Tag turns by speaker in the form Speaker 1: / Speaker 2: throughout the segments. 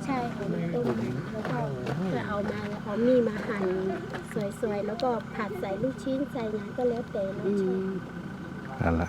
Speaker 1: ใช่ค่ะต้มแล้วก็จะเอามาแล้วเอามีดมาหั่นสวยๆแล้วก็ผัดใส่ลูกชิ้นใส่น้ำก็แล้วแต่เราชอบ
Speaker 2: นั่นแหละ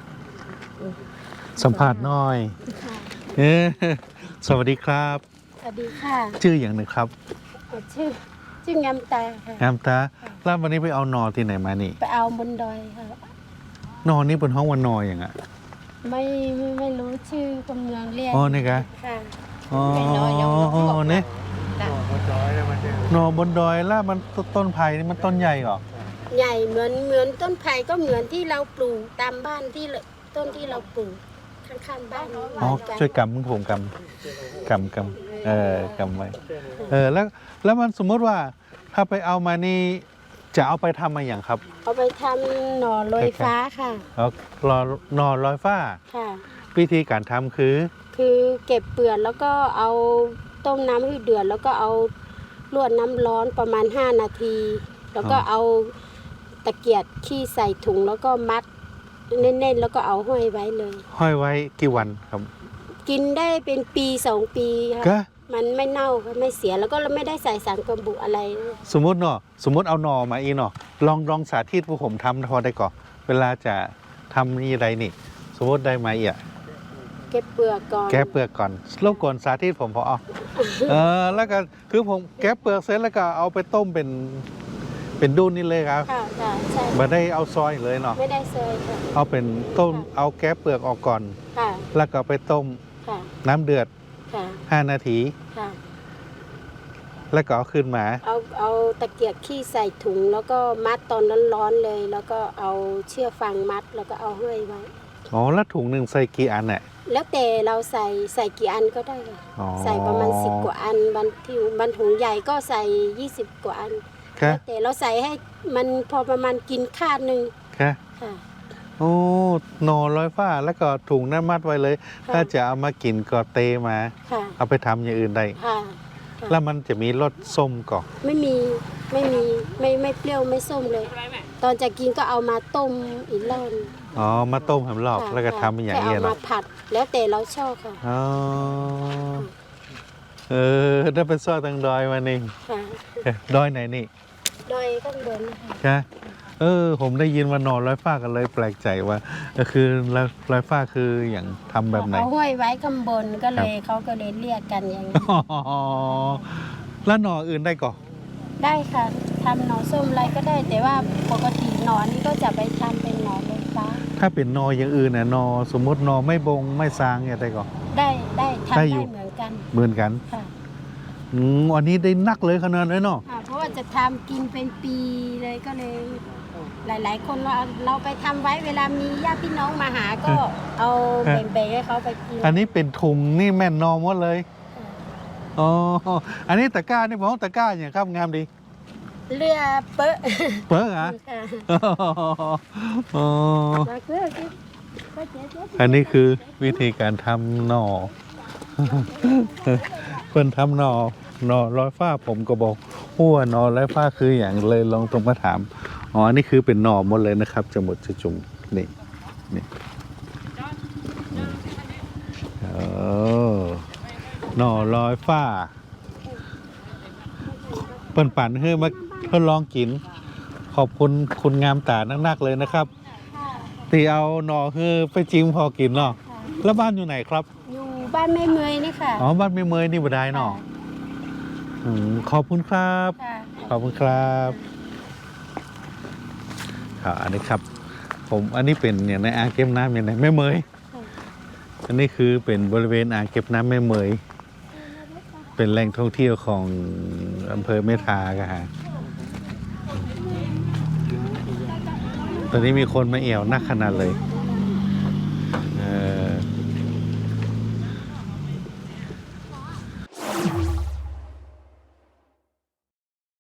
Speaker 2: สัมภาษณ์หน้อย
Speaker 1: ค่ะ
Speaker 2: เออสวัสดีครับ
Speaker 1: สวัสดีค่ะ
Speaker 2: ชื่ออย่างหนึ่งครับ
Speaker 1: ชื่องามตาค่ะ
Speaker 2: งามตาแล้ววันนี้ไปเอานอที่ไหนมานี่
Speaker 1: ไปเอาบนดอยค่ะ
Speaker 2: นอนี่บนห้องวันนออย่างอ่ะ
Speaker 1: ไม่รู้ชื่อคนเมืองเรียก
Speaker 2: อ๋อนี่กะ
Speaker 1: ค่ะ
Speaker 2: อ๋อ
Speaker 1: เป็นนอยังไม่บอก
Speaker 2: เนี่ย
Speaker 1: จ้ะ
Speaker 2: นอบนดอยแล้วมันต้นไผ่นี่มันต้นใหญ่เหรอ
Speaker 1: ใหญ่เหมือนต้นไผ่ก็เหมือนที่เราปลูกตามบ้านที่ต้นที่เราปลูกข้างๆบ้าน
Speaker 2: อ๋อ
Speaker 1: เหมือนกัน
Speaker 2: ช่วยกำมึงผมกำกำไว้แล้วมันสมมติว่าถ้าไปเอามานี่จะเอาไปทำมาอย่างครับ
Speaker 1: เอาไปทำหน่อลอยฟ้าค่ะ
Speaker 2: เอานอลอยฟ้า
Speaker 1: ค่ะ
Speaker 2: วิธีการทำคือ
Speaker 1: คือเก็บเปลือกแล้วก็เอาต้มน้ำให้เดือดแล้วก็เอาลวกน้ำร้อนประมาณ5 นาที แล้วก็เอาตะเกียบขี้ใส่ถุงแล้วก็มัดแน่นๆแล้วก็เอาห้อยไว้เลย
Speaker 2: ห้อยไว้กี่วันครับ
Speaker 1: กินได้เป็นปี2 ปีค่ะ
Speaker 2: ก็
Speaker 1: มันไม่เน่าค่ะไม่เสียแล้วก็ไม่ได้ใส่สารกันบูดอะไร
Speaker 2: สมมติเอานอมาอีเนาะลองสาธิตพวกผมทำพอได้ก่อนเวลาจะทำนี่อะไรนี่ สมมติได้มาอ่ะ
Speaker 1: เก็บเปลือกก่อน
Speaker 2: แกะเปลือกก่อนรบกวนสาธิตผมพอแล้วก็คือผมแกะเปลือกเสร็จแล้วก็เอาไปต้มเป็นดุนนี่เลยครับ
Speaker 1: ค่ะค่ะใช่
Speaker 2: ไม่ได้เอาซอยเลยเนาะ
Speaker 1: ไม่ได้เซยค่ะ
Speaker 2: เอาเป็นต้มเอาแกะเปลือกออกก่อน
Speaker 1: ค่ะ
Speaker 2: แล้วก็ไปต้ม
Speaker 1: ค่ะ
Speaker 2: น้ำเดือด
Speaker 1: ค่ะ
Speaker 2: 5 นาที
Speaker 1: ค่ะ
Speaker 2: แล้วก็เอาขึ้นมา
Speaker 1: เอาตะเกียบขี้ใส่ถุงแล้วก็มัดตอนร้อนๆเลย แล้วก็เอาเชือกฟางมัดแล้วก็เอาห้อยไว้
Speaker 2: อ๋อแล้วถุงหนึ่งใส่กี่อันเนี่ย
Speaker 1: แล้วแต่เราใส่กี่อันก็ได้ค่ะ
Speaker 2: อ๋อ
Speaker 1: ใส่ประมาณ10 กว่าอันบางถุงใหญ่ก็ใส่20 กว่าอัน
Speaker 2: ค่ะ
Speaker 1: แล้วแต่เราใส่ให้มันพอประมาณกินข้าวหนึ่ง
Speaker 2: ค่ะ
Speaker 1: ค่ะ
Speaker 2: โอ้หนอร้อยฟ้าแล้วก็ถุงนั้นมัดไว้เลย
Speaker 1: ค่ะ
Speaker 2: ถ้าจะเอามากินก็เตมา
Speaker 1: ค่ะ
Speaker 2: เอาไปทำอย่างอื่นได้
Speaker 1: ค่ะ
Speaker 2: แล้วมันจะมีรสส้มก่อน
Speaker 1: ไม่ไม่เปรี้ยวไม่ส้มเลย ตอนจะกินก็เอามาต้มอีกรอบ
Speaker 2: อ๋อมาต้มหำหลอก
Speaker 1: ค่ะ
Speaker 2: แล้วก็ทำเป็นอย่าง
Speaker 1: แค่
Speaker 2: นี้
Speaker 1: เอา
Speaker 2: เหร
Speaker 1: มา
Speaker 2: อ
Speaker 1: ผัด แล้วแต่เราชอบค่ะ
Speaker 2: อ๋อได้เป็นซอสตังดอยมานี่
Speaker 1: ค่ะ
Speaker 2: ดอยไหนนี่
Speaker 1: โดยข้างบนนะคะ
Speaker 2: คะผมได้ยินว่านอนร้อยฟ้ากันเลยแปลกใจว่าคือร้อยฟ้าคืออย่างทำแบบไหน
Speaker 1: เอาห้อยไว้ข้างบนก็เลยเขาก็เลยเรียกกันอย่างนี้
Speaker 2: อ๋อแล้วหน่ออื่นได้ก่อน
Speaker 1: ได้ค่ะทำหน่อส้มอะไรก็ได้ แต่ว่าปกติหน่อนี่ก็จะไปทำเป็นหน่อลอยฟ้า
Speaker 2: ถ้าเป็นนออย่างอื่นน่ะนอสมมตินอไม่บงไม่ซางเนี่ยได้ก่อน
Speaker 1: ได้ทำ
Speaker 2: ได้
Speaker 1: ได้
Speaker 2: อยู่
Speaker 1: เหมือนกัน
Speaker 2: เหมือนกัน
Speaker 1: ค่ะ
Speaker 2: อันนี้ได้นักเลยขนาดนั้นเนาะ
Speaker 1: ค่ะ เพราะว่าจะทำกินเป็นปีเลยก็เลย หลาย ๆ คนเราไปทำไว้เวลามีญาติพี่น้องมาหาก็เอาแบ่งๆให้เขาไปกิน
Speaker 2: อันนี้เป็นถุงนี่แม่นนอหมดเลยอ๋ออันนี้ตะกร้านี่ผมว่าตะกร้าอย่างครับงามดี
Speaker 1: เรือเปอะ
Speaker 2: เปิ้ลเหรอ
Speaker 1: ค่ะ
Speaker 2: อ๋อ
Speaker 1: มาเพื่อกิน
Speaker 2: อันนี้คือวิธีการทำหน่อ เพิ่นทำหน่อร้อยฟ้าผมก็บอกหัวหน่อร้อยฟ้าคืออย่างเลยลองตรงมาถามอ๋ออันนี้คือเป็นหน่อหมดเลยนะครับจะหมดจะจุ่มนี่หน่อร้อยฟ้าเปิ้นปั่นให้มาทดลองกิน ขอบคุณคุณงามตานักๆเลยนะครับที่เอาหน่อคือไปจิ้มพอกินเนาะแล้วบ้านอยู่ไหนครับ
Speaker 1: อยู่บ้านแม่เมยนี่ค่ะ
Speaker 2: อ๋อบ้านไม่เมยนี่บ่ได้เนาะขอบคุณครับ
Speaker 1: ค่ะ
Speaker 2: ขอบคุณครับครับอันนี้ครับ อันนี้เป็นอย่างในอ่างเก็บน้ำอย่างในแม่เมยอันนี้คือเป็นบริเวณอ่างเก็บน้ำแม่เมยเป็นแหล่งท่องเที่ยวของอำเภอเมทากะฮะตอนนี้มีคนมาเอี่ยวนักขนาดเลย